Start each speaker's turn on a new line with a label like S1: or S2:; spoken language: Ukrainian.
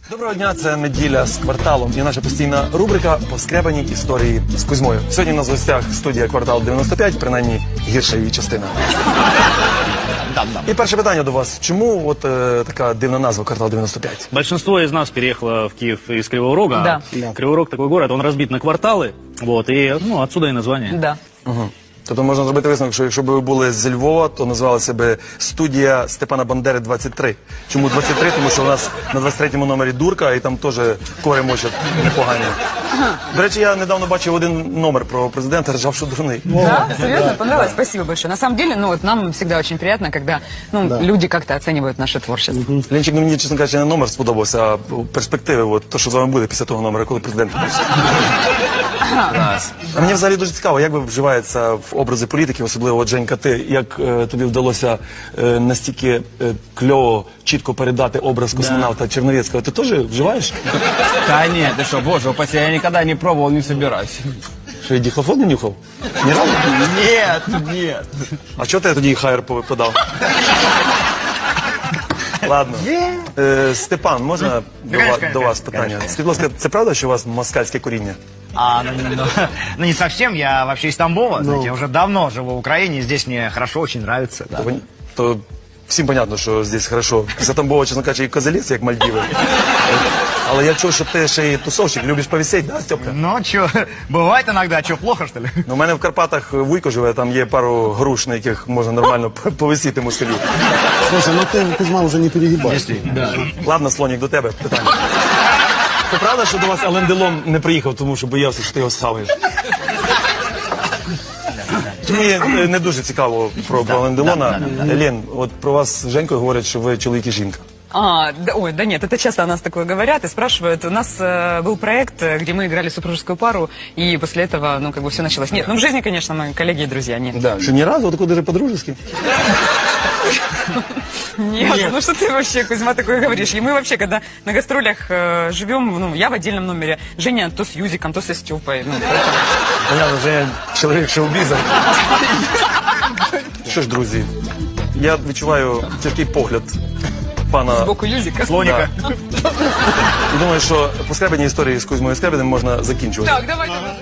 S1: Доброго дня, це неділя з кварталом і наша постійна рубрика «Поскребані історії з Кузьмою». Сьогодні у нас в гостях студія «Квартал 95», принаймні гірша її частина. І перше питання до вас. Чому от така дивна назва «Квартал 95»?
S2: Большинство из нас переехало в Киев из Кривого Рога.
S3: Да.
S2: Кривой Рог такой город, он разбит на кварталы, вот, и отсюда и название.
S3: Да.
S1: Тобто можна зробити висновок, що якщо б ви були з Львова, то називалася б студія Степана Бандери 23. Чому 23? Тому що у нас на 23-му номері дурка, і там теж кори мочать непогані. До речі, я недавно бачив один номер про президента, ржав, що дурний.
S3: Да? Серьезно? Понравилось? Спасибо большое. На самом деле, нам всегда очень приятно, когда люди как-то оценивают наше творчество.
S1: Ленчик, мені, чесно кажучи, не номер сподобався, а перспективи, от, то, що з вами буде після того номера, коли президент буде. А мені взагалі дуже цікаво, як ви вживаєтеся в образи політиків, особливо от, Женька, ти, як тобі вдалося настільки кльово, чітко передати образ космонавта Черновецького, ти теж вживаєш?
S4: Да нет, ты что, боже упаси, я никогда не пробовал, не собираюсь.
S1: Що, і дихлофон не нюхав? Ні разу?
S4: Нет, нет.
S1: А чого ти тоді хайр подав? Ладно. Степан, можна до вас питання? Скажіть, будь ласка, це правда, що у вас москальське коріння?
S5: Ну, не совсем, я вообще из Тамбова, знаете, я уже давно живу в Украине, здесь мне хорошо, очень нравится. Да.
S1: То всім понятно, що здесь хорошо. Після Тамбова, чесно кажучи, і козеліць, як Мальдіви. Але я чув, що ти ще й тусовщик, любиш повісеть, да, Степка?
S5: Ну, что, бывает иногда, что, плохо, что ли?
S1: У мене в Карпатах вуйко живе, там є пару груш, на яких можна нормально повисіти москалю.
S6: Слушай, ну ты, Кузьма, уже не перегибай.
S1: Ладно, Слонік, до тебе питання. То правда, що до вас Ален Делон не приїхав, тому що боявся, що ти його схаваєш? Мені не дуже цікаво про Ален Делона. Лен, от про вас з Женькою говорять, що ви чоловік і жінка.
S3: Да нет, это часто о нас такое говорят и спрашивают. У нас был проект, где мы играли супружескую пару, и после этого, все началось. Нет, в жизни, конечно, мы коллеги и друзья, нет.
S1: Да, що ні разу, тако даже по-дружески.
S3: Нет, ну что ты вообще, Кузьма, такое говоришь? И мы вообще, когда на гастролях живем, я в отдельном номере, Женя то с Юзиком, то со Степой.
S1: Понятно, що я чоловік шоу-біза. Що ж, друзі, я відчуваю тяжкий погляд пана
S3: Сбоку Юзика.
S1: Слоніка. І думаю, що поскребані історії з Кузьмою Скребіним можна закінчувати.
S3: Так, давай.